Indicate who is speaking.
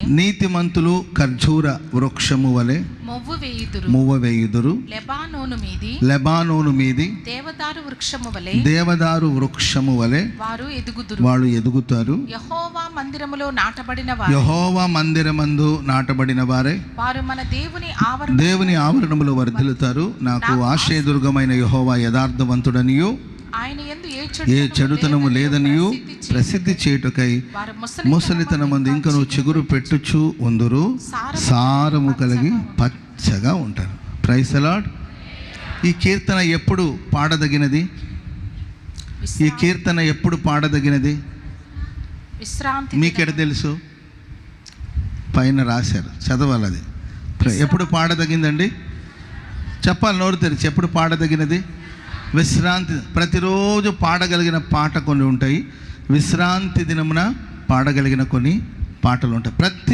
Speaker 1: నీతిమంతులు ఖర్జూర వృక్షము వలె మువ్వ వేయుదురు. లెబానోను మీది దేవదారు వృక్షము వలె వారు ఎదుగుతారు. యెహోవా మందిరమందు నాటబడిన వారే
Speaker 2: వారు మన
Speaker 1: దేవుని ఆవరణములో వర్ధిల్లుతారు. నాకు ఆశ్రయదుర్గమైన యెహోవా యథార్థవంతుడనియు ఏ చెడుతనము లేదనియు ప్రసిద్ధి చేయుటకై ముసలితనమందు ఇంకను చిగురు పెట్టుచు ఉందురు. సారము కలిగి పచ్చగా ఉంటారు. Praise the lord. ఈ కీర్తన ఎప్పుడు పాడదగినది? ఈ కీర్తన ఎప్పుడు పాడదగినది? మీకెడ తెలుసు? పైన రాశారు, చదవాలి. అది ఎప్పుడు పాడదగిందండి? చెప్పాలి నోరు తెరిచి. ఎప్పుడు పాడదగినది? విశ్రాంతి. ప్రతిరోజు పాడగలిగిన పాట కొన్ని ఉంటాయి, విశ్రాంతి దినమున పాడగలిగిన కొన్ని పాటలు ఉంటాయి. ప్రతి